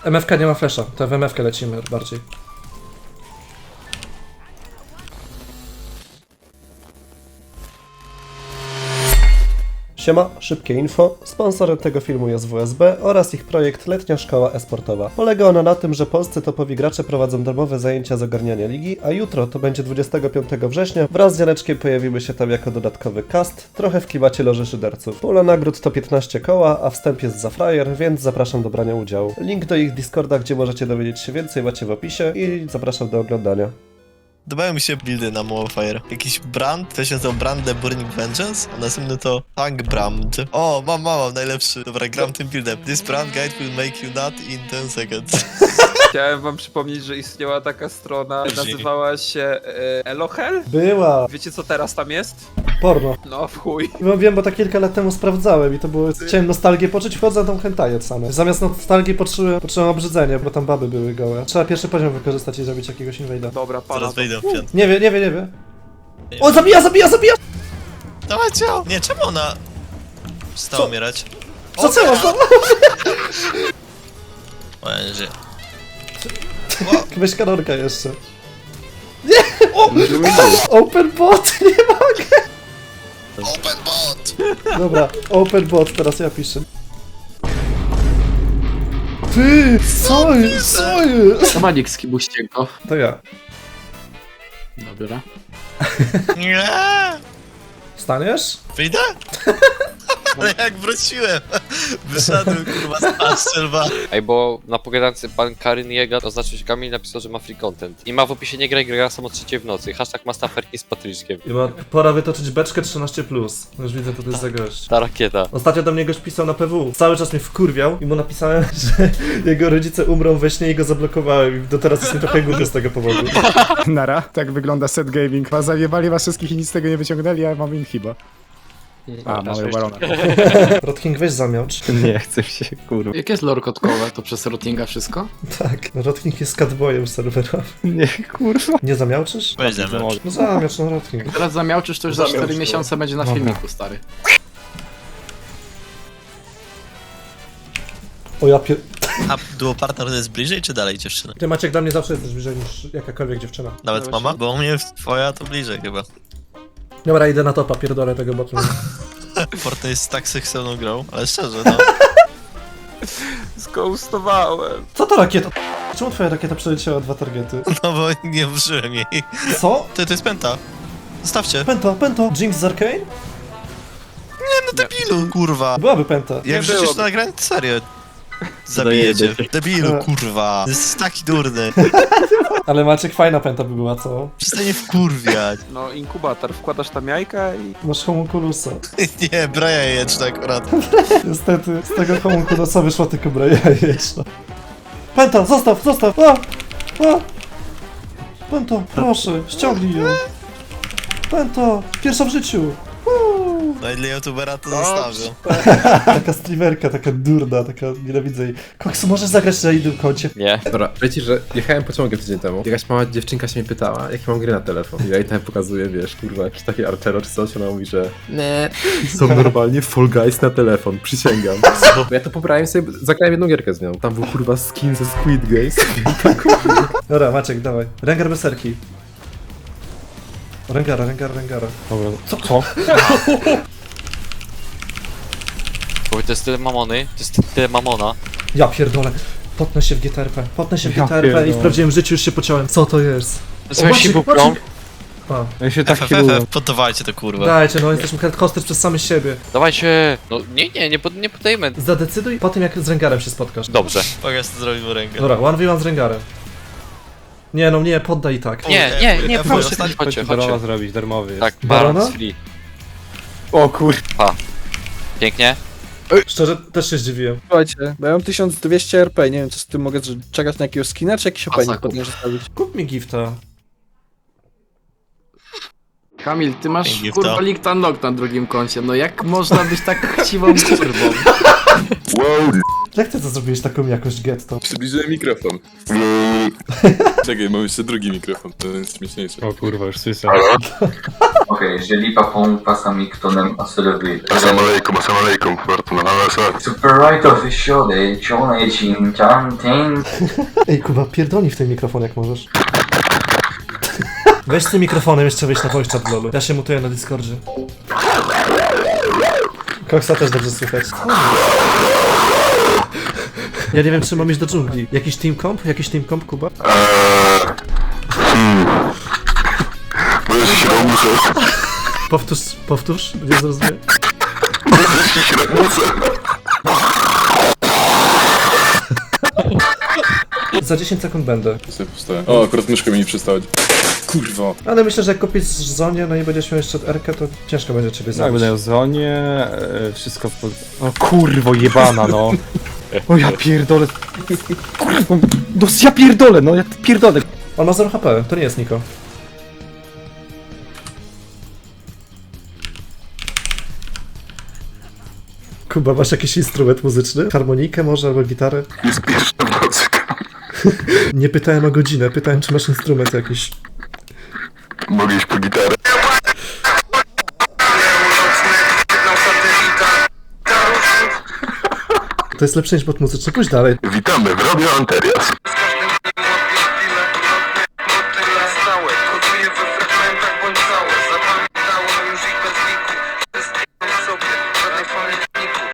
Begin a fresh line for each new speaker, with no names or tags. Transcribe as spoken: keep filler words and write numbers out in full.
M F K nie ma flesza, to w M F K lecimy bardziej. Siema, szybkie info. Sponsorem tego filmu jest W S B oraz ich projekt Letnia Szkoła E-Sportowa. Polega ona na tym, że polscy topowi gracze prowadzą darmowe zajęcia z ogarniania ligi, a jutro, to będzie dwudziestego piątego września, wraz z Janeczkiem pojawimy się tam jako dodatkowy cast, trochę w klimacie loży szyderców. Pula nagród to piętnaście koła, a wstęp jest za frajer, więc zapraszam do brania udziału. Link do ich Discorda, gdzie możecie dowiedzieć się więcej, macie w opisie i zapraszam do oglądania.
Podobają mi się buildy na Mowfire. Jakiś brand, to się nazywa Brand The Burning Vengeance, a następny to Tank Brand. O, mam, mam, mam, najlepszy. Dobra, gram tym buildem. This brand guide will make you nut in ten seconds.
Chciałem wam przypomnieć, że istniała taka strona, nazywała się e, Elohel.
Była!
Wiecie co teraz tam jest?
Porno.
No w chuj.
No wiem, bo to kilka lat temu sprawdzałem i to było... Chciałem nostalgię poczuć, wchodzę na tą hentaję same. Zamiast nostalgii poczułem, poczułem obrzydzenie, bo tam baby były gołe. Trzeba pierwszy poziom wykorzystać i zrobić jakiegoś inwejda.
Dobra, pana.
Zaraz wejdę w piątkę.
Nie wie, nie wie, nie wie. O, zabija, zabija, zabija!
Dawajcie! Nie, czemu ona przestała
Co?
umierać?
Co co? co?
O, ja nie żyję.
Weź kanonka jeszcze. Nie! O! Open bot! Nie mogę!
Open bot!
Dobra, open bot, teraz ja piszę. Ty! Co jest? Co jest?
Samadzik z Kibuściego.
To ja.
Dobra.
Nie!
Staniesz?
Wyjdę? Ale jak wróciłem, wyszedłem kurwa z paszczelba.
Ej, bo na pogadance pan Karyn Jega oznaczył się Kamil, napisał, że ma free content. I ma w opisie nie graj, gra samo o trzeciej w nocy. Hashtag ma staferki z Patryczkiem.
I ma pora wytoczyć beczkę trzynaście plus. Już widzę, co to jest za gość.
Ta rakieta.
Ostatnio do mnie gość pisał na P W. Cały czas mnie wkurwiał i mu napisałem, że jego rodzice umrą we śnie i go zablokowałem. I do teraz jest mi trochę głupio z tego powodu.
Nara, tak wygląda set gaming. Was zajebali was wszystkich i nic z tego nie wyciągnęli, a ja mam inhiba. A, mamy barona.
Rotking, weź zamiałcz.
Nie, chcę się, kurwa.
Jak jest lore kotkowe, to przez routinga wszystko?
Tak, Rotking jest catboyem serwera.
Nie, kurwa.
Nie zamiałczysz?
Weź ze mną.
No zamiałcz, no Rotking.
Teraz zamiałczysz, to już za
Zamiałcz,
cztery
no.
miesiące będzie na
Dobra.
filmiku, stary.
O ja pier...
A duo partner to jest bliżej czy dalej dziewczyny?
Ty Maciek, dla mnie zawsze jesteś bliżej niż jakakolwiek dziewczyna.
Nawet
Dobra,
mama? Bo u mnie twoja to bliżej chyba.
Dobra, idę na topa, pierdolę tego botu.
Fortnite jest tak seksowną grą, ale szczerze no.
Zghostowałem.
Co to rakieta? Czemu twoja rakieta przeleciała dwa targety?
No bo nie użyłem jej.
Co?
To, to jest penta. Zostawcie.
Pento, pento. Jinx z Arcane?
No debilu, kurwa.
Byłaby penta.
Jak wrzucisz
byłoby.
to nagranie, to serio. Zabijecie.
Dojedzie.
Debilu,
No.
kurwa. Jesteś taki durny.
Ale Maciek, fajna penta by była, co?
Przestań mnie wkurwiać.
No inkubator, wkładasz tam jajka i...
Masz homunculusa.
Nie, braja jajeczna akurat.
Niestety, z tego homunculusa wyszła tylko braja jajeczna. Penta, zostaw, zostaw! A! A! Pento, proszę, ściągnij ją. Pento, pierwsza w życiu. Uuu.
No i dla youtubera to zostawią.
Taka streamerka, taka durna, taka nienawidzę jej. Koksu, możesz zagrać na innym koncie?
Nie.
Dobra, wiecie, że jechałem pociągiem tydzień temu. Jakaś mała dziewczynka się mnie pytała, jakie mam gry na telefon. I ja jej tam pokazuję, wiesz, kurwa, jakieś takie Archero czy coś. Ona mówi, że nie, są normalnie Fall Guys na telefon, przysięgam. Bo ja to pobrałem sobie, zagrałem jedną gierkę z nią. Tam był kurwa skin ze Squid Games.
Dobra, Maciek, dawaj. Rengar berserki. Rengara, Rengara, Rengara.
Dobra, co? Co?
Bo to jest tyle mamony, to jest tyle mamona.
Ja pierdolę. Potnę się w G T R P. Potnę się w
Ja
G T R P i w
pierdolę.
prawdziwym życiu już się pociąłem. Co to jest?
Nazywam się
Maciek,
Bukrą.
Maciek. A,
Ja się tak
F F
kieruję.
F, poddawajcie to kurwa.
dajcie, no jesteśmy hosted przez samych siebie.
Dawajcie! No nie, nie, nie, pod, nie podajemy.
Zadecyduj po tym, jak z Rengarem się spotkasz.
Dobrze.
Pokaż co zrobimy rękę.
Dobra, one v one z Rengarem. Nie no, nie, poddaj i tak.
Nie, nie, nie,
F-
proszę,
ostatni
chodźcie,
Darmowa
chodźcie.
zrobić, darmowy jest.
Tak,
Barona?
Baron z free.
O kur...
Pięknie.
Szczerze, też się zdziwiłem.
Słuchajcie, bo ja mam tysiąc dwieście R P, nie wiem co z tym mogę że czekać na jakiegoś skina, czy jakiś opening
Masaku.
potem zostawić.
Kup mi gifta.
Kamil, ty masz
Dzięki,
kurwa
to.
Linked Unlock na drugim koncie, no jak można być tak chciwą kurwą?
Jak ty to zrobiłeś taką jakość getto?
Przybliżyłem mikrofon. Czekaj, mam jeszcze drugi mikrofon, to jest śmieszniejsze.
O kurwa, już słyszę.
Okej, jeżeli papą pasami ktonem asylowy.
Assalamu alaikum, assalamu alaikum, warto na nas.
Super right of siody, cione chin chan ten.
Ej, Kuba, pierdolnij w ten mikrofon jak możesz. Weź z tym mikrofonem jeszcze wyjść na voice chat lolu. Ja się mutuję na Discordzie. Koksa też dobrze słychać. Ja nie wiem, czy mam iść do dżungli. Jakiś team comp? Jakiś team comp, Kuba?
Eee... Hmm... Może się robuszę.
Powtórz, powtórz, nie zrozumiem.
Może się robuszę.
Za dziesięć sekund będę.
O, akurat myszka mi nie przestała. Kurwa.
Ale myślę, że jak kupisz zonie, no i będziesz miał jeszcze R-kę, to ciężko będzie ciebie
Tak,
zabić.
będę w zonie, e, wszystko w... O kurwo jebana, no. O ja pierdolę. Kurwo, no ja pierdolę, no ja pierdolę.
On ma zero H P, to nie jest Niko. Kuba, masz jakiś instrument muzyczny? Harmonikę może, albo gitarę?
Jest pierwsza muzyka.
Nie pytałem o godzinę, pytałem, czy masz instrument jakiś.
Mogę iść po gitarę.
To jest lepsze niż bot muzyczny, pójdź dalej.
Witamy w Radio Anterias.